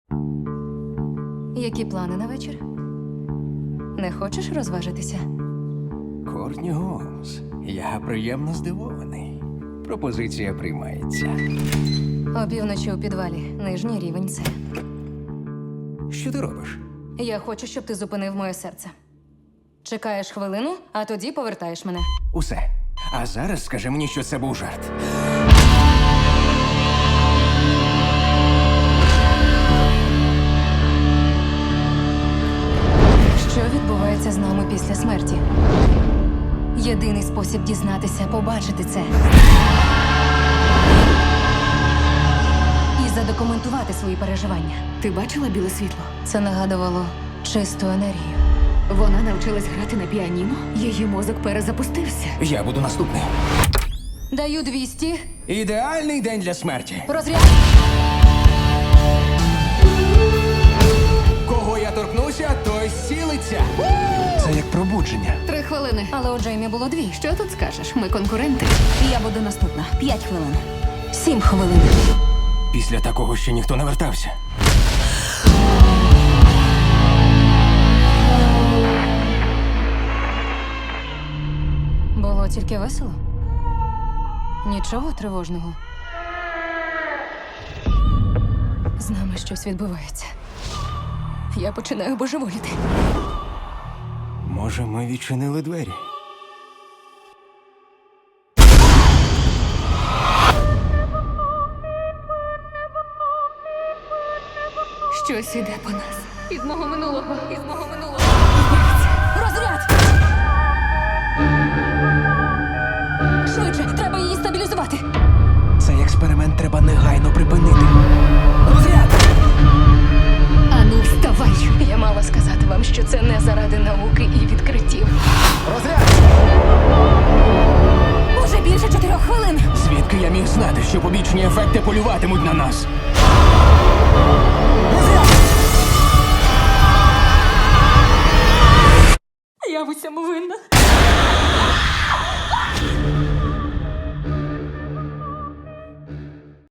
Які плани на вечір? Не хочеш розважитися? Кортні Голмс, я приємно здивований. Пропозиція приймається. Опівночі у підвалі, нижній рівень С. Що ти робиш? Я хочу, щоб ти зупинив моє серце. Чекаєш хвилину, а тоді повертаєш мене. Усе. А зараз скажи мені, що це був жарт. Що відбувається з нами після смерті? Єдиний спосіб дізнатися, побачити це. І задокументувати свої переживання. Ти бачила біле світло? Це нагадувало чисту енергію. Вона навчилась грати на піаніно, її мозок перезапустився. Я буду наступний. Даю 200. Ідеальний день для смерті. Розряд. Кого я торкнуся, той зцілиться. Це як пробудження. 3 хвилини. Але у Джеймі було 2. Що тут скажеш? Ми конкуренти. Я буду наступна. 5 хвилин. 7 хвилин. Після такого ще ніхто не вертався. Було тільки весело. Нічого тривожного. З нами щось відбувається. Я починаю божеволіти. Може, ми відчинили двері? Щось іде по нас. Із мого минулого. Із мого минулого. Розряд! Швидше, треба її стабілізувати. Цей експеримент треба негайно припинити. Розряд! Ану, вставай! Я мала сказати вам, що це не заради науки і відкриттів. Розряд! Уже більше 4 хвилин. Звідки я міг знати, що побічні ефекти полюватимуть на нас? Я в усьому винна.